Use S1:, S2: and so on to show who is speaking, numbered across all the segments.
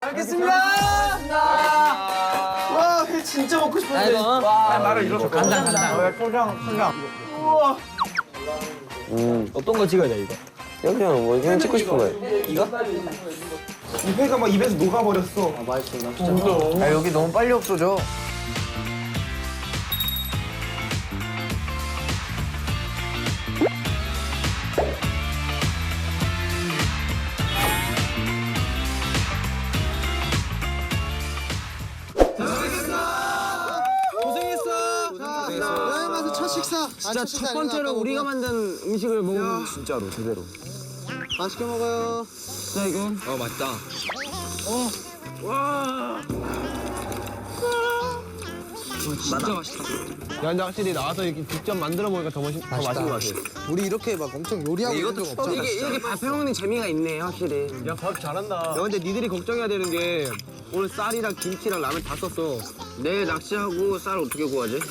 S1: 알겠습니다. 와, 회 진짜 먹고 싶은데.
S2: 와, 나를 이렇게
S1: 간장.
S2: 천장.
S1: 우와.
S3: 어떤 거 찍어야 돼 이거?
S4: 그냥 뭐 그냥 찍고 싶은 거예요.
S3: 이거?
S2: 이 회가 막 입에서 녹아버렸어.
S4: 아 여기 너무 빨리 없어져.
S1: 여행 가서 첫 식사.
S3: 진짜 첫 번째로 우리가 만든 음식을 먹으면 진짜로 제대로.
S1: 맛있게 먹어요.
S3: 진짜 이거? 맛있다. 진짜 맛있다.
S4: 야 근데 확실히 나와서 이렇게 직접 만들어 먹으니까 더 맛있는 것 같아.
S1: 우리 이렇게 막 엄청 요리하고 이런 적 없잖아.
S3: 이게 밥 해먹는 재미가 있네 확실히.
S4: 야 밥 잘한다. 야 근데 니들이 걱정해야 되는 게 오늘 쌀이랑 김치랑 라면 다 썼어.
S3: 내일 낚시하고 쌀 어떻게 구하지?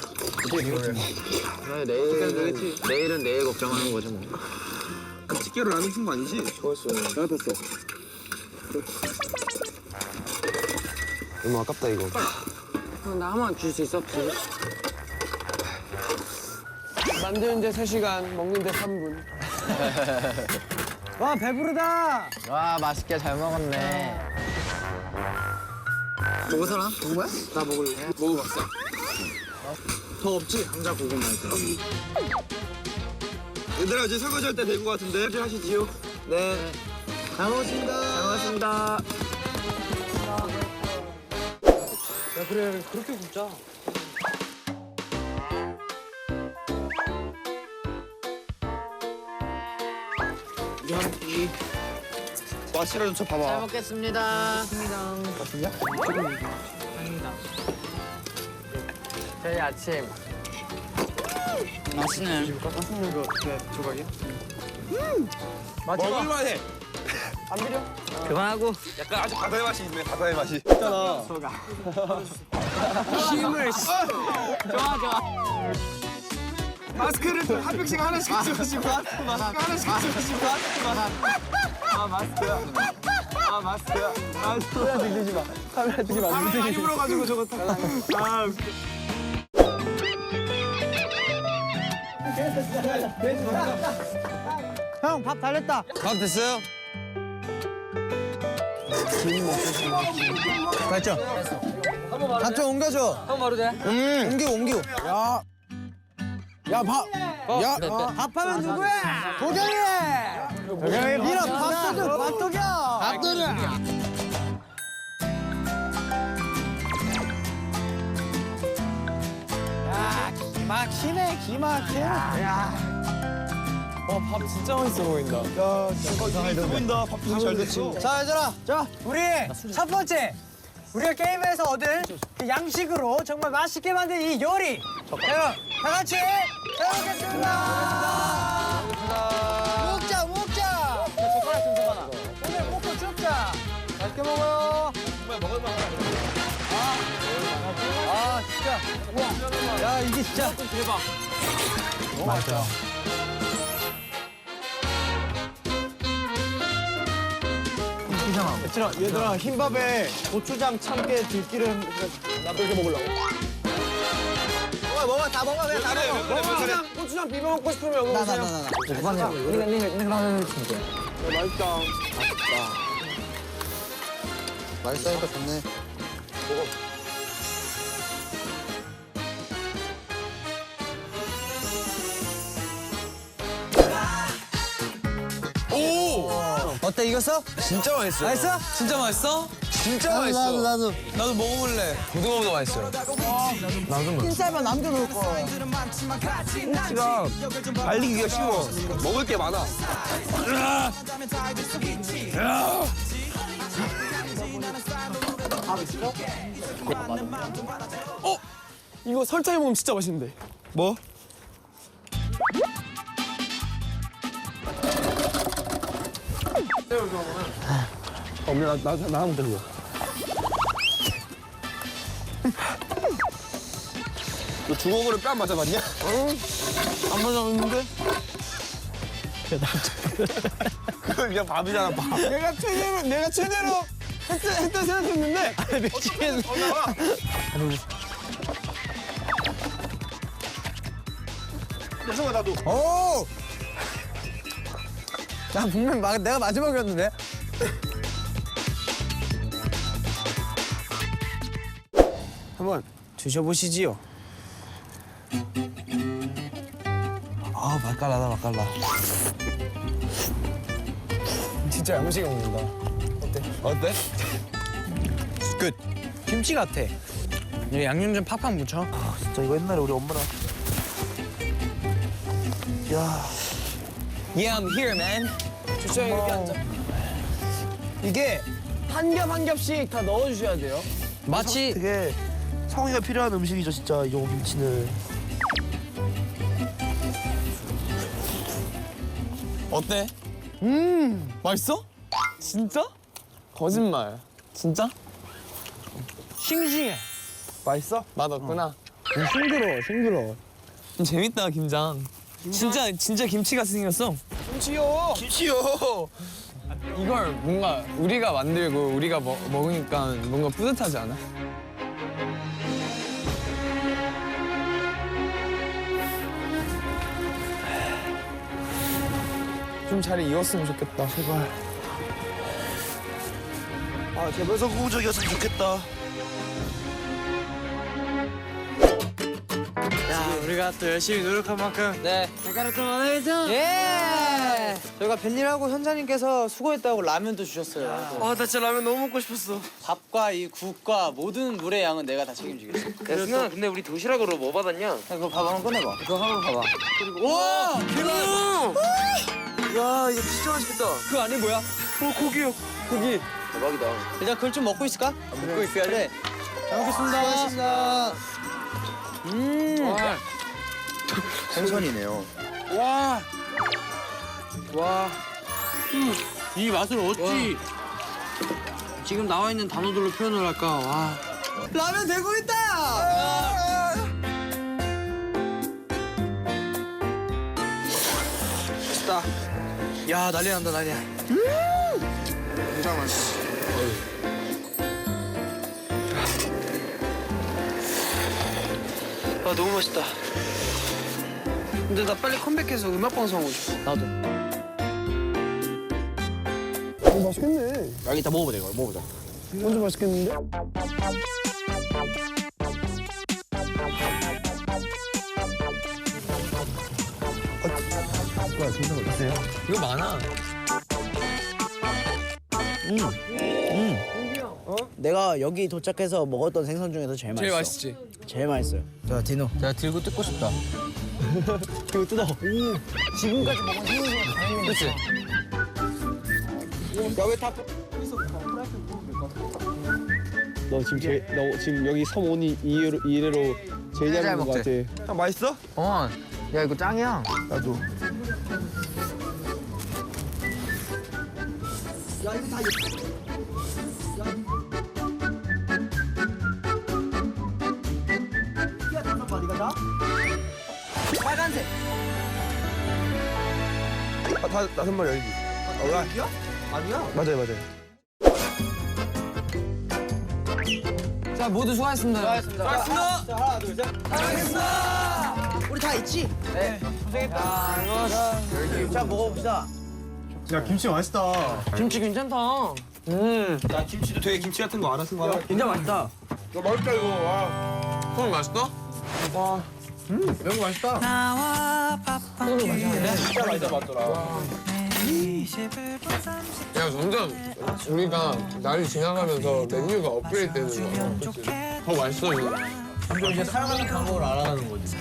S3: 그래 내일은 내일 걱정하는 거지 뭐.
S2: 집게로 라면 푼 거 아니지?
S4: 너무 아깝다 이거.
S3: 나 하나만 줄 수 있어?
S1: 만드는데 3시간, 먹는데 3분.
S3: 와 배부르다.
S4: 와 맛있게 잘 먹었네.
S3: 먹을 사람? 먹은 거야?
S1: 나 먹을래.
S3: 먹어봤어. 더 없지? 감자 고구마 있더라.
S2: 얘들아 이제 설거지 할 때 된 거 같은데. 설거지 하시지요.
S3: 네.
S1: 잘 먹었습니다.
S3: 잘 먹었습니다.
S1: 야, 그래. 그렇게 굽자.
S2: 와 실어 좀쳐 봐봐.
S3: 잘 먹겠습니다. 저희 아침. 맛있네.
S2: 먹을만해.
S3: 그만하고.
S2: 약간 아주 바다의 맛이 있네. 바다의 맛이.
S3: 힘을. 좋아.
S2: 마스크를 좀 한 명씩 하나씩 찍어주시고. 마스크 하나씩 찍어주시고. 마스크야. 카메라 들리지 마. 카메라 들리지 마. 카메라 많이 불어가지고 저거 다. 웃겨.
S3: 형 밥 다 됐다.
S4: 밥 됐어요? 됐죠? 밥좀 옮겨줘.
S3: 형 바로 돼.
S4: 옮겨. 야 밥. 야
S3: 밥하면 누구야?
S4: 도경이.
S3: 밀어 밥도겨. 기막히네.
S1: 밥 진짜 맛있어 보인다.
S2: 보인다. 밥도 잘 됐어.
S3: 자 얘들아, 우리 첫 번째 우리가 게임에서 얻은 그 양식으로 정말 맛있게 만든 이 요리. 여러분 다 같이 잘 먹겠습니다. 먹자. 젓가락 좀 줘봐. 오늘 먹고 죽자. 맛있게 먹어요. 정말 먹을만하다. 진짜. 우와. 야 이게 진짜 대박. 너무 맛있다.
S1: 얘들아, 흰밥에 고추장, 참깨, 들기름 나도 이렇게 먹으려고.
S3: 먹어 다 먹어 그냥 다 먹어.
S1: 고추장 비벼 먹고 싶으면 먹으세요.
S4: 맛있다니까 좋네.
S3: 어때 이겼어?
S4: 진짜 맛있어.
S3: 맛있어?
S4: 진짜 맛있어? 진짜 맛있어.
S3: 나도.
S4: 나도 먹어볼래. 고등어보다 맛있어요.
S3: 흰쌀만 남겨놓을 거야.
S2: 김치가 말리기가 쉬워. 먹을 게 많아.
S1: 이거 설탕에 먹으면 진짜 맛있는데.
S2: 뭐?
S4: 나 한번 들려.
S2: 너 주걱으로 뺨 맞아봤냐?
S1: 안 맞았는데?
S2: 그건 그냥 밥이잖아, 밥.
S1: 내가 최대로 했던 생각했는데. 미치겠네.
S2: 성아 나도.
S3: 오! 나 분명 내가 마지막이었는데.
S2: 한번 드셔보시지요.
S1: 아 맛깔나다 맛깔나.
S2: 진짜 야무지게 먹는다.
S1: 어때?
S3: 끝. 김치 같아. 이제 양념 좀 팍팍 묻혀.
S1: 아 진짜 이거 옛날에 우리 엄마랑. 야.
S3: Yeah, I'm here, man.
S2: 주차장 이렇게 앉아. 이게 한 겹 한 겹씩 다 넣어주셔야 돼요.
S3: 마치
S1: 되게 성의가 필요한 음식이죠 진짜 이 김치는.
S2: 어때? 맛있어? 진짜? 거짓말. 진짜?
S3: 싱싱해.
S1: 맛있어?
S2: 맛없구나.
S3: 싱그러워.
S2: 재밌다 김장. 진짜 김치가 생겼어. 김치요. 이걸 뭔가 우리가 만들고 우리가 먹으니까 뭔가 뿌듯하지 않아? 좀 잘 익었으면 좋겠다. 제발.
S1: 아 제발 성공적이었으면 좋겠다.
S3: 야, 우리가 또 열심히 노력한 만큼 대가를 또 받아야죠.
S2: 예!
S3: 저희가 벤일하고 현자님께서 수고했다고 라면도 주셨어요.
S2: 아, 나 진짜 라면 너무 먹고 싶었어.
S3: 밥과 이 국과 모든 물의 양은 내가 다 책임지겠어.
S2: 야, 승아, 근데 우리 도시락으로 뭐 받았냐?
S3: 그거 밥 한번 꺼내봐.
S2: 그거 한번 봐봐.
S3: 우와!
S1: 야 이거 진짜 맛있겠다.
S2: 그 안에 뭐야? 고기요. 고기.
S1: 대박이다.
S3: 일단 그걸 좀 먹고 있을까?
S2: 먹고 있어야 돼.
S3: 잘 먹겠습니다.
S2: 와.
S1: 생선이네요.
S2: 와.
S3: 이 맛을 어찌 지금 나와 있는 단어들로 표현을 할까? 와. 라면 되고 있다!
S2: 맛있다.
S3: 야, 난리 난다, 난리야.
S2: 진짜 맛있어.
S3: 아, 너무 맛있다.
S2: 근데 나 빨리 컴백해서 음악 방송 하고 싶어.
S3: 나도.
S1: 맛있겠네.
S3: 아, 이따 먹어보자, 이걸 먹어보자.
S1: 완전 맛있겠는데? 뭐야 생선 어딨어요?
S2: 이거 많아.
S3: 내가 여기 도착해서 먹었던 생선 중에서 제일 맛있어.
S2: 제일 맛있지?
S3: 제일 맛있어요. 자, 디노.
S2: 내가 들고 뜯고 싶다.
S3: 이거 뜯어. 지금까지 먹은 생선 중에 가장
S2: 그치?
S1: 너 지금 여기 섬 오니 이래로 제일 잘 먹는 거 같아. 형 맛있어?
S2: 야 이거 짱이야.
S1: 나도.
S3: 빨간색.
S1: 다 5마리 열기. 여기야? 아니야? 맞아요.
S2: 자 모두 수고하셨습니다.
S3: 수고하셨습니다. 자, 하나, 둘, 셋. 수고하셨습니다. 우리 다 있지? 네. 고생했다. 자, 먹어봅시다.
S1: 야 김치 맛있다.
S2: 김치 괜찮다.
S1: 야 김치도 되게 김치 같은 거 알아서 거.
S2: 진짜 맛있다.
S1: 야 맛있다 이거. 와.
S2: 소금 맛있다?
S1: 매운 거 맛있다.
S2: 진짜 맛있다 맞더라. 야 점점 우리가 날이 지나가면서 메뉴가 업그레이드 되는 거야. 그치? 더 맛있어 이거.
S3: 점점 이제 사랑하는 방법을 알아가는 거지.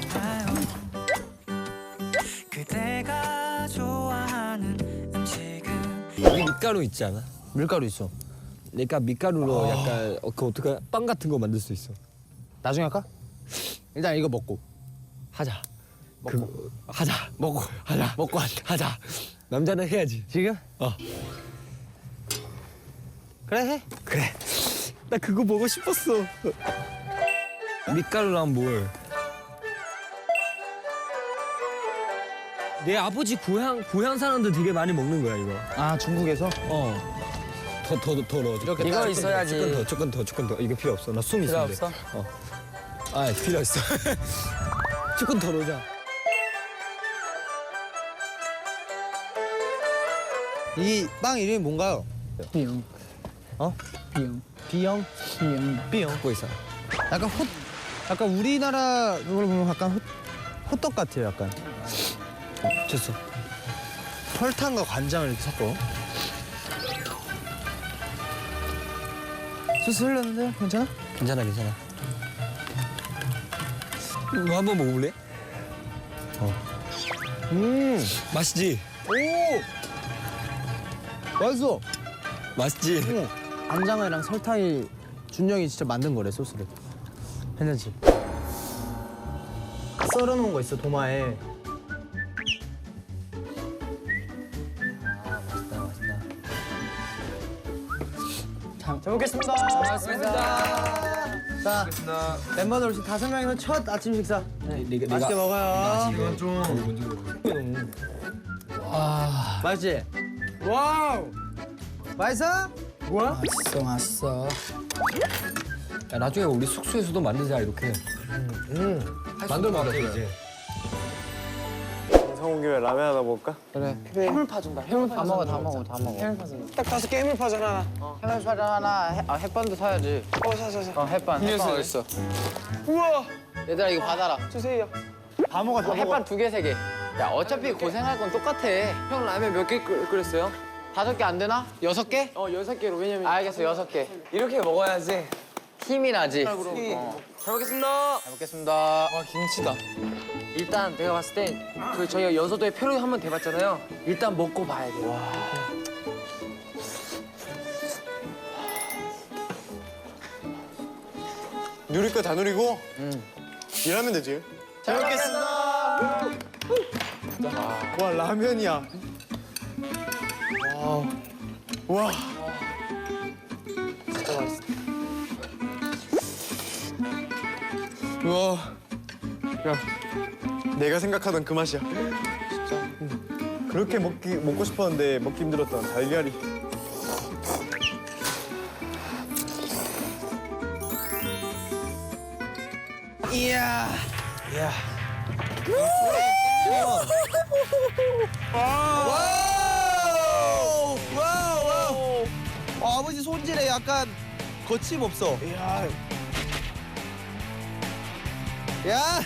S5: 그대가 좋아하는 음식은
S6: 여기 밀가루 있지 않아?
S3: 밀가루 있어.
S6: 그러니까 밀가루로 약간 그 어떻게 빵 같은 거 만들 수 있어.
S3: 나중에 할까? 일단 이거 먹고.
S6: 하자. 그 하자. 먹고 하자.
S3: 먹고 하자.
S6: 하자. 남자는 해야지.
S3: 지금? 그래, 해.
S6: 그래. 나 그거 보고 싶었어. 밀가루랑 뭘? 내 아버지 고향 사람들 되게 많이 먹는 거야 이거.
S3: 아, 중국에서?
S6: 더 넣어. 이렇게
S7: 이거 있어야지.
S6: 조금 더. 이거 필요 없어. 나 숨
S7: 필요
S6: 있으면 돼.
S7: 없어?
S6: 아, 필요 있어. 조금 더 넣자.
S4: 이 빵 이름이 뭔가요?
S7: 비용.
S4: 어?
S7: 비용.
S4: B형? B형.
S6: 갖고 있어.
S4: 약간 우리나라 그걸 보면 약간 호떡 같아요, 약간.
S6: 됐어.
S4: 설탕과 간장을 이렇게 섞어. 소스 흘렀는데요? 괜찮아?
S6: 괜찮아. 이거 한번 먹어볼래? 맛있지?
S4: 맛있어.
S6: 맛있지?
S4: 간장이랑 설탕이 준영이 진짜 만든 거래, 소스를. 괜찮지? 썰어놓은 거 있어, 도마에. 잘 먹겠습니다. 자, 멤버들 혹시 5명이서 첫 아침 식사. 맛있게 먹어요.
S6: 이건 좀
S4: 맛있지? 와우! 맛있어? 뭐야?
S7: 맛있어.
S6: 야, 나중에 우리 숙소에서도 만들자 이렇게. 만들어 먹자 이제.
S1: 성훈 교회 라면 하나 먹을까?
S7: 해물파 준다. 해물파 다 먹어.
S3: 딱 5개 해물파전 하나.
S7: 해물파전 하나. 햇반도 사야지.
S3: 사.
S7: 햇반.
S2: 음료수 있어.
S3: 우와,
S7: 얘들아 이거 받아라.
S3: 주세요.
S4: 다 먹어, 다
S7: 햇반 2개, 3개. 야 어차피 고생할 건 똑같아. 형 라면 몇 개 끓였어요? 5개 안 되나? 6개?
S3: 6개로 왜냐면
S7: 알겠어 6개.
S3: 이렇게 먹어야지.
S7: 힘이 나지.
S3: 잘 먹겠습니다.
S7: 잘 먹겠습니다.
S3: 와, 김치다. 일단 내가 봤을 때 그 저희가 여서도에 표를 한번 대봤잖아요. 일단 먹고 봐야 돼요.
S1: 누릴 거 다 누리고 일하면 되지.
S7: 잘 먹겠습니다.
S1: 와 라면이야. 와. 우와. 야, 내가 생각하던 그 맛이야. 진짜. 그렇게 먹고 싶었는데 먹기 힘들었던 달걀이.
S4: 와우! 아버지 손질에 약간 거침없어. 야!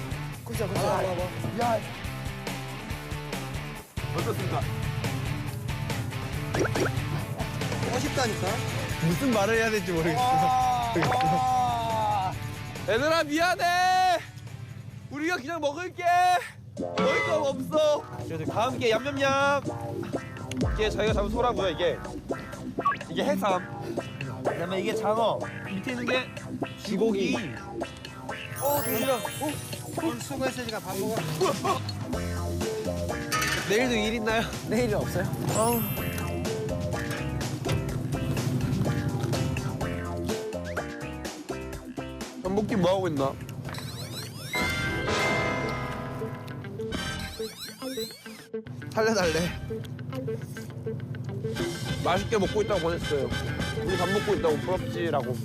S4: 멋있다니까? 무슨 말을 해야 될지 모르겠어.
S1: 얘들아 미안해. 우리가 그냥 먹을게. 먹을 거 없어. 그래도 다 함께 얌얌얌. 이게 저희가 잡은 소라고요. 이게 해삼. 그다음에 이게 장어. 밑에 있는 게 쥐고기. 도시락.
S4: 오늘 수고했으니까 밥 먹어. 내일도 일 있나요?
S7: 내일은 없어요?
S1: 전복김 뭐 하고 있나?
S4: 살려달래.
S1: 맛있게 먹고 있다고 보냈어요. 우리 밥 먹고 있다고 부럽지라고.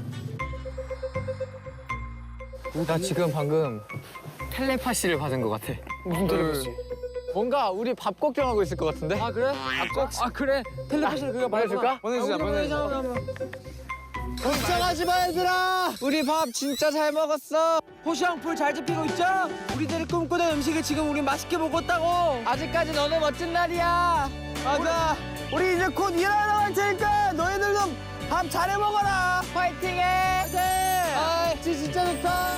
S7: 나 지금 방금 텔레파시를 받은 것 같아.
S3: 무슨 텔레파시?
S7: 뭔가 우리 밥 걱정하고 있을 것 같은데? 아 그래? 아 그래? 텔레파시를 그가
S3: 보내줄까?
S7: 보내주자.
S4: 걱정하지 마, 얘들아. 우리 밥 진짜 잘 먹었어.
S3: 호시앙풀 잘 지피고 있죠? 우리들이 꿈꾸던 음식을 지금 우리 맛있게 먹었다고.
S7: 아직까지 너무 멋진 날이야.
S3: 맞아. 우리 이제 곧 일하러 갈 테니까 너희들도 밥 잘해 먹어라.
S7: 파이팅해.
S3: 아, 진짜 좋다.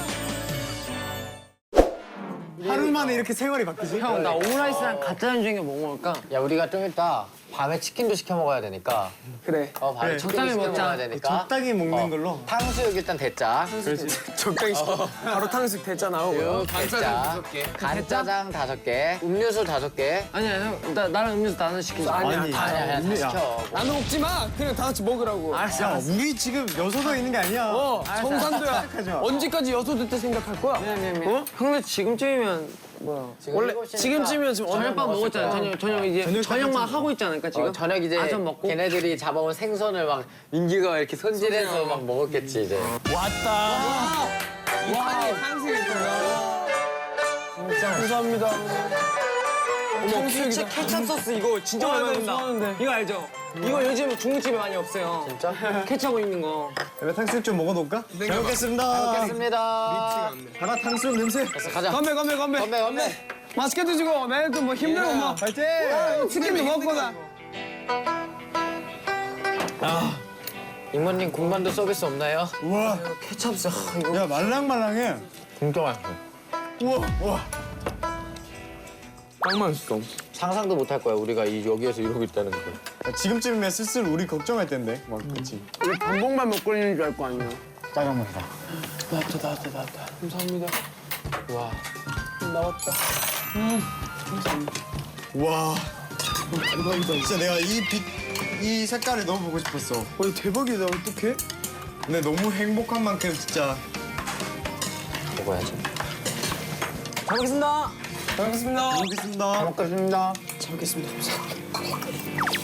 S3: 하루 만에 이렇게 생활이 바뀌지?
S7: 형 나 오므라이스랑 가짜는 중에 뭐 먹을까? 야 우리가 좀 이따 밤에 치킨도 시켜 먹어야 되니까.
S3: 그래.
S7: 밤에 치킨도 시켜 먹어야 되니까.
S3: 적당히 먹는 걸로.
S7: 탕수육 일단 됐자.
S3: 적당히 시켜. 바로 탕수육 됐자 나오고.
S7: 됐자. 간짜장 5개. 음료수 5개.
S3: 아니야, 형. 나랑 음료수 나눠 시키자.
S7: 아니야 다 시켜.
S3: 나눠 먹지 마. 그냥 다 같이 먹으라고. 알았어.
S4: 우리 지금 여서도에 있는 게 아니야.
S3: 정산도야. 언제까지 여소도 때 생각할 거야?
S7: 미안.
S3: 어? 형들 지금쯤이면
S7: 원래 지금쯤이면 지금
S8: 저녁밥 먹었잖아. 저녁 이제 저녁만 하고 있지 않을까 지금?
S7: 저녁 이제
S8: 아점 먹고?
S7: 걔네들이 잡아온 생선을 막 민기가 이렇게 손질해서 막 먹었겠지 이제.
S8: 케첩 소스 이거 진짜 오랜만에 본다. 이거 알죠? 이거 요즘 중국집에 많이 없어요.
S7: 진짜?
S8: 케첩 있는 거.
S3: 탕수육 좀 먹어놓을까? 잘 먹겠습니다.
S7: 먹겠습니다.
S3: 가라 탕수육 냄새.
S7: 가자.
S3: 건배.
S7: 건배.
S3: 맛있게 드시고 내일 또 뭐 힘내고 뭐. 파이팅. 치킨도 먹고나.
S7: 이모님 군만두 서비스 없나요?
S3: 우와.
S8: 케첩 소스 이거.
S3: 야 말랑말랑해.
S7: 진짜 맛있어.
S3: 우와.
S2: 딱 맛있어.
S7: 상상도 못할 거야 우리가 여기에서 이러고 있다는 거.
S3: 지금쯤이면 슬슬 우리 걱정할 텐데. 막 그렇지.
S8: 우리 반복만 먹고 있는 줄 알 거 아니야.
S3: 짜장면이다.
S8: 나왔다. 감사합니다.
S7: 와.
S3: 와. 대박이다. 진짜 내가 이 색깔을 너무 보고 싶었어. 대박이다. 어떡해? 근데 너무 행복한 만큼 진짜.
S7: 먹어야지.
S8: 잘 먹겠습니다.
S3: 잘 먹겠습니다.
S7: 먹겠습니다.
S8: 잘 먹겠습니다.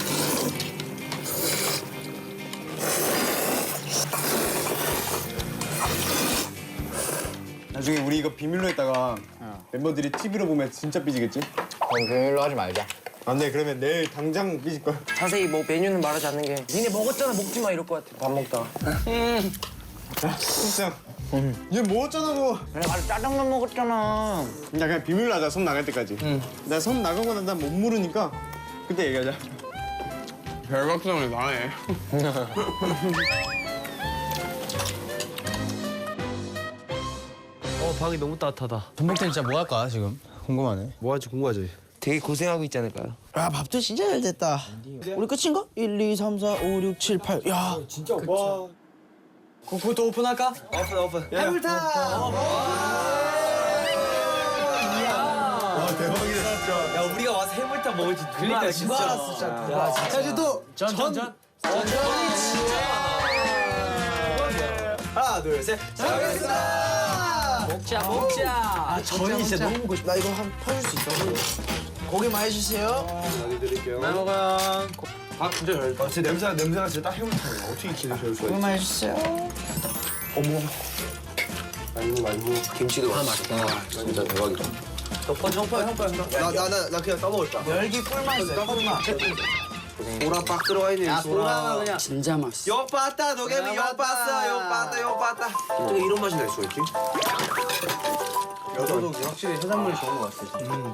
S3: 나중에 우리 이거 비밀로 했다가 멤버들이 TV로 보면 진짜 삐지겠지?
S7: 그럼 비밀로 하지 말자.
S3: 안 돼. 그러면 내일 당장 삐질 거야.
S8: 자세히 뭐 메뉴는 말하지 않는 게. 니네 먹었잖아 먹지 마 이럴 것 같아. 밥 먹다가.
S3: 진짜. 얘 먹었잖아 너.
S8: 그래 나도 짜장면 먹었잖아.
S3: 야 그냥 비밀로 하자. 손 나갈 때까지. 나 손 나가고 난 다음 못 물으니까 그때 얘기하자.
S2: 별각성이 나네.
S1: 방이 너무 따뜻하다.
S4: 전복들 진짜 뭐 할까 지금? 궁금하네.
S1: 뭐 할지 궁금하지? 되게 고생하고 있지 않을까요?
S9: 아 밥도 진짜 잘 됐다. 우리 끝인가? 1, 2, 3, 4, 5, 6, 7, 8. 야
S3: 진짜 와.
S8: 그것도 오픈할까?
S1: 오픈.
S3: 해물탕. 와 대박이다 진짜.
S1: 야 우리가 와서 해물탕 먹을 줄 그러니까 진짜.
S3: 야 이제 또 전. 하나 둘 셋. 잘 먹겠습니다.
S8: 먹자.
S3: 아 전이 진짜 너무 먹고 싶다.
S9: 나 이거 한 퍼줄 수 있어. 고기만 해주세요.
S1: 드릴게요. 잘 먹어요. 밥 진짜 잘. 진짜 냄새가 진짜 딱 해물탕이야. 어떻게 기대 제일 좋아해?
S9: 고기만 해주세요.
S1: 말고 김치도 맛있다. 진짜 대박이다. 나 그냥 떠먹을까?
S9: 열기 꿀맛 있어요. 꿀맛.
S1: 소라 빡 들어가 있네. 소라 그냥.
S8: 진짜 맛있어.
S1: 요 빠따 도겸이 요 빠따 요 빠따. 어떻게 이런 맛이 날 수가 있지? 여도도 확실히 해산물이 좋은 것 같아.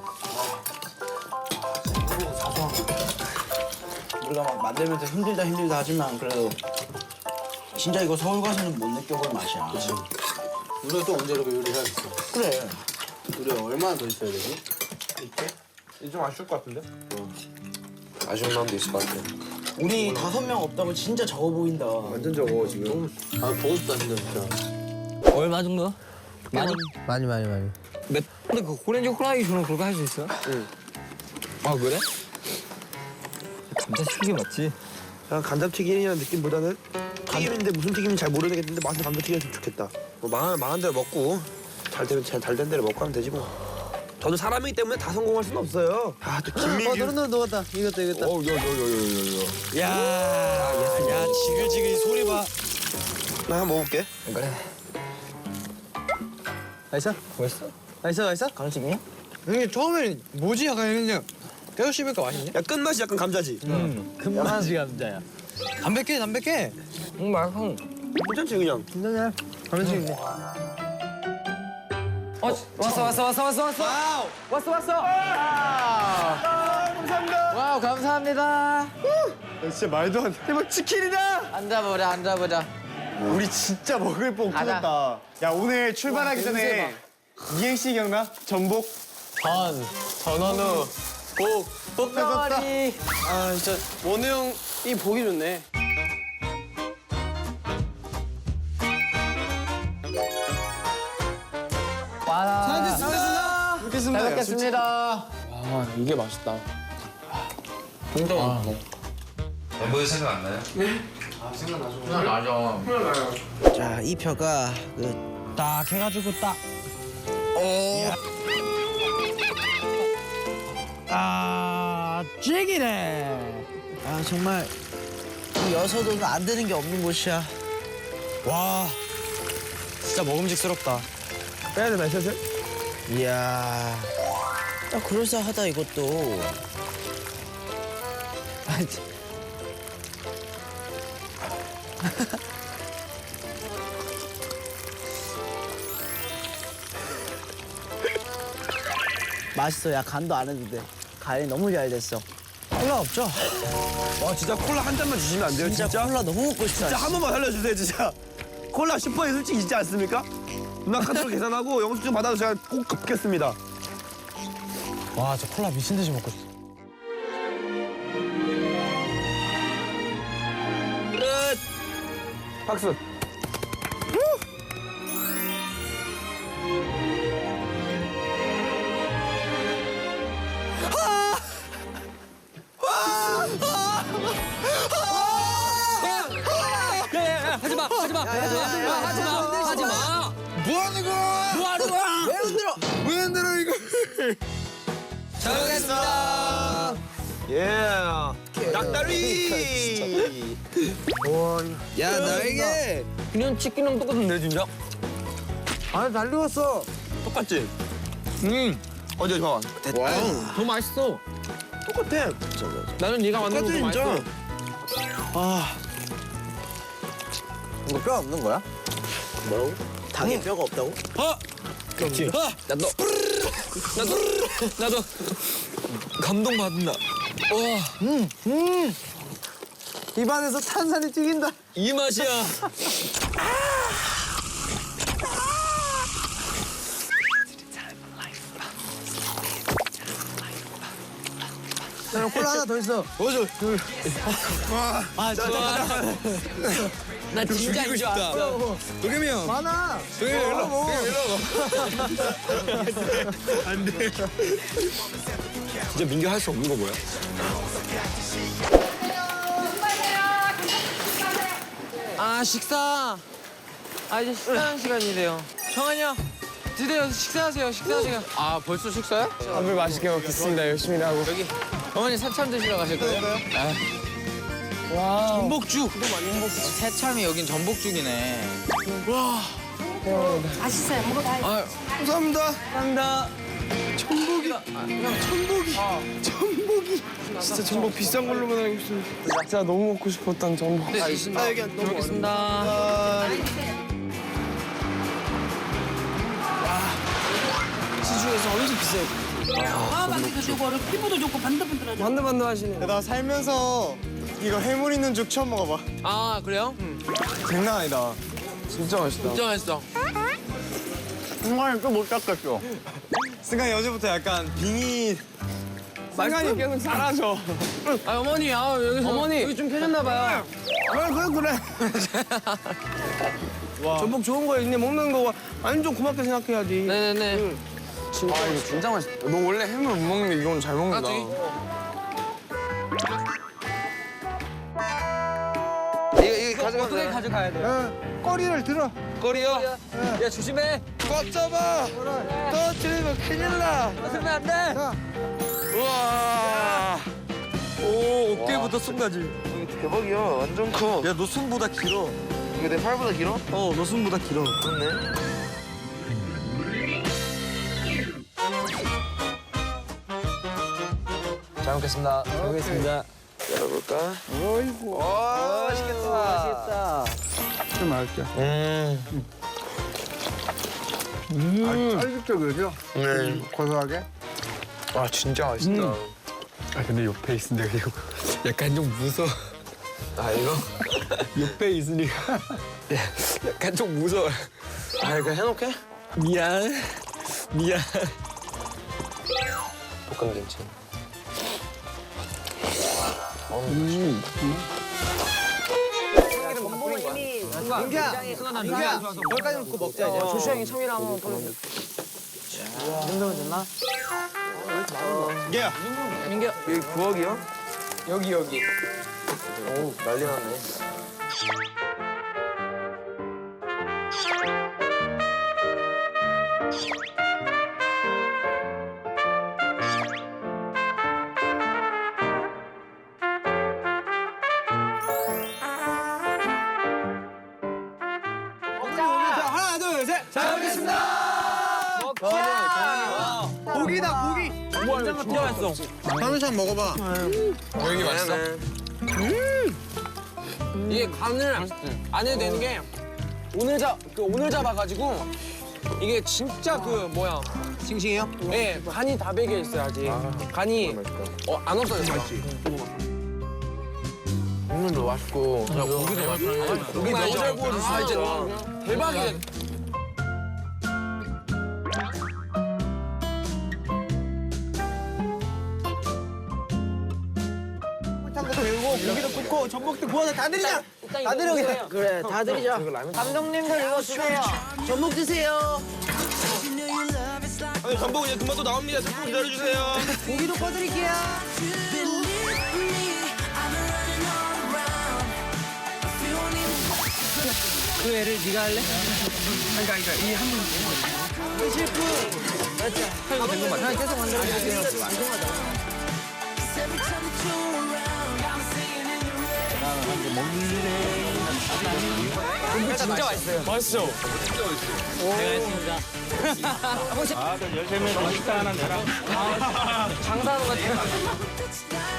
S9: 우리가 막 만들면서 힘들다 하지만 그래도 진짜 이거 서울 가서는 못 느껴볼 맛이야. 그치.
S1: 우리가 또 언제 이렇게 요리를 해야겠어?
S9: 그래.
S1: 우리 얼마나 더 있어야 되지? 이렇게? 이제 좀 아쉬울 것 같은데? 아쉬운 마음도 있을 것 같아.
S9: 우리 5명 없다고 진짜 적어 보인다.
S1: 완전 적어 지금. 아 보고 싶다 진짜.
S8: 얼마 정도?
S4: 많이.
S8: 근데 그 오렌지 후라이 주는 그거 할 수 있어? 응. 아 그래? 감자 튀김 맞지?
S1: 그냥 감자튀김이라는 느낌보다는 튀김인데 무슨 튀김인지 잘 모르겠는데 맛은 감자튀김이었으면 좋겠다. 뭐 망한 대로 먹고 잘 된 대로 먹고 하면 되지 뭐. 저도 사람이기 때문에 다 성공할 수는 없어요. 아 또 김민규.
S4: 너는 녹았다. 이겼다.
S3: 야 지글지글 소리 봐.
S1: 나 한번 먹어볼게.
S8: 그래.
S4: 맛있어? 맛있어?
S8: 강식이야?
S3: 이게 처음에는 뭐지 약간 이랬는데 계속 씹으니까 맛있네.
S1: 야 끝맛이 약간 감자지.
S4: 금맛이 감자야.
S3: 담백해.
S8: 맛있어.
S1: 괜찮지 그냥.
S4: 괜찮아. 감자튀김 있네.
S8: 왔어.
S7: 와우 감사합니다.
S3: 진짜 말도 안 돼. 대박 치킨이다.
S7: 앉아보자.
S3: 우리 진짜 먹을 뽕
S7: 가자.
S3: 터졌다. 야 오늘 출발하기 전에 이행시 기억나? 전복.
S8: 전원우. 복덩어리. 아 진짜 원우 형이 보기 좋네.
S3: 먹겠습니다.
S7: 잘 먹겠습니다.
S2: 아 이게 맛있다.
S1: 멤버들 생각 안 나요?
S7: 맞아.
S9: 자, 이 표가 딱 해가지고 딱.
S3: 아, 찌기네.
S9: 아 정말 이 여서도는 안 되는 게 없는 곳이야.
S3: 와, 진짜 먹음직스럽다.
S1: 빼야 되나 슬슬?
S9: 이야, 야, 그럴싸하다 이것도. 맛있어. 야 간도 안 해도 돼. 간이 너무 잘 됐어.
S3: 콜라 없죠?
S1: 와 진짜 콜라 한 잔만 주시면 안 돼요? 진짜?
S9: 콜라 너무 먹고 싶다.
S1: 진짜 한 번만 살려주세요 진짜. 콜라 슈퍼에 솔직히 있지 않습니까? 누나 카드로 계산하고 영수증 받아서 제가 꼭 갚겠습니다.
S3: 와, 저 콜라 미친 듯이 먹고 싶어.
S1: 끝. 박수.
S6: 하지마.
S2: 뭐 하는 거야?
S9: 왜 흔들어?
S2: 왜 흔들어 이거?
S1: 잘 먹겠습니다. 예. 낙다리.
S2: 야 나에게
S6: 그냥 치킨이랑 똑같은데 진짜?
S3: 아, 잘 익었어.
S1: 똑같지? 어제 봐.
S2: 와우.
S6: 더 맛있어.
S1: 똑같아.
S6: 나는 네가 만든 거더 맛있어.
S3: 이거 뼈 없는 거야?
S9: 닭에 뼈가 없다고?
S6: 나도 감동 받는다.
S3: 입안에서 탄산이 튀긴다.
S6: 이 맛이야.
S3: 야, 콜라 하나 더 있어.
S6: 나 진짜 이거 좋아.
S2: 도겸이 형.
S3: 많아.
S2: 도겸이 형 일로 와. 안돼.
S6: 진짜 민규 할 수 없는 거 뭐야?
S7: 아 식사. 아 이제 식사하는 시간이래요. 정한이 형 드디어 식사하세요. 식사하세요. 아 벌써 식사요?
S2: 밥을 맛있게 먹겠습니다. 열심히 하고.
S7: 여기 어머니 새참 드시러 가실 거예요? 와 전복죽. 새참이 여긴 전복죽이네.
S10: 맛있어요. 먹어봐요.
S7: 아
S2: 감사합니다. 전복이. 진짜 전복 비싼 걸로만 알고 있습니다. 진짜 너무 먹고 싶었던 전복.
S7: 알겠습니다. 여기 잘 먹겠습니다.
S2: 시중에서 엄청 비싸요.
S10: 마음도 좋고 피부도 좋고 반들반들하죠.
S2: 반들반들 하시네. 나 살면서 이거 해물 있는 죽 처음 먹어봐.
S7: 아 그래요?
S2: 장난 아니다. 진짜 맛있다.
S7: 진짜 맛있어.
S9: 순간에 또못 닦겠어.
S2: 승관이 어제부터 약간 빙이 승관이 계속 사라져.
S7: 아 어머니 여기서 어머니 여기 좀 켜졌나 봐요.
S2: 그래. 전복 좋은 거 있네 먹는 거 완전 고맙게 생각해야지.
S7: 네네네.
S2: 진짜 이거 진짜 맛있다. 너 원래 해물 못 먹는데 이건 잘 먹는다.
S1: 이거 가져가면
S7: 어떻게 가져가야 돼요?
S3: 꼬리를 들어.
S1: 거리요.
S7: 야 조심해.
S1: 꽉 잡아. 떨어뜨리면 큰일 나.
S7: 벗으면 안 돼.
S1: 우와. 오 어깨부터 손까지.
S2: 대박이야. 완전 커.
S1: 야 너 손보다 길어.
S2: 이거 내 팔보다 길어?
S1: 너 손보다 길어.
S2: 그렇네.
S6: 잘 먹겠습니다.
S7: 잘 먹겠습니다.
S2: 열어볼까?
S1: 어이구. 맛있겠다.
S7: 맛있겠다.
S2: 좀 맛있게.
S3: 쫄깃쫄깃이죠?
S2: 네.
S3: 고소하게.
S2: 와 진짜 맛있다.
S6: 아 근데 옆에 있으니까 이거 약간 좀 무서워.
S2: 아 이거?
S6: 옆에 있으니까 약간 좀 무서워.
S2: 아 이거 해놓게?
S6: 미안.
S2: 볶음 김치.
S3: 민규야, 민규야, 여기까지 놓고 먹자 이제.
S7: 조슈 형이 참이랑 한번 보여줘. 이 정도면 됐나?
S1: 얘야.
S7: 민규.
S2: 여기 부엌이요?
S7: 여기.
S2: 오 난리 났네.
S3: 잘 먹겠습니다. 고기다 고기.
S7: 진짜 맛있어.
S4: 파면산 먹어봐.
S2: 여기 맛있어?
S7: 이게 간을 안 해도 되는 게 오늘 잡아가지고 이게 진짜 그 뭐야
S4: 싱싱해요?
S7: 네 간이 다 배겨 있어요 아직 간이 안 없어졌어.
S2: 국물도 맛있고 고기도 맛있고
S7: 고기 너무 잘 구워줬어. 이제 대박이야.
S3: 탕도 배우고 고기도 굽고 전복도 구워서 다 드리자. 다 드려 그냥.
S9: 그래 다 드리자.
S3: 감독님들 이거 주세요.
S9: 전복 드세요.
S1: 아니 전복은 이제 금방 또 나옵니다. 조금 기다려주세요.
S3: 고기도 꺼드릴게요.
S7: 그 애를 네가 할래? 그러니까 이한 분.
S3: 그 셰프.
S7: 이거 된거 맞아?
S3: 계속 만들어주세요.
S7: 진짜 맛있어요. 맛있어. 내가 했습니다.
S1: 아, 13명 식사 하나 내라.
S7: 장사하는 것 같아요.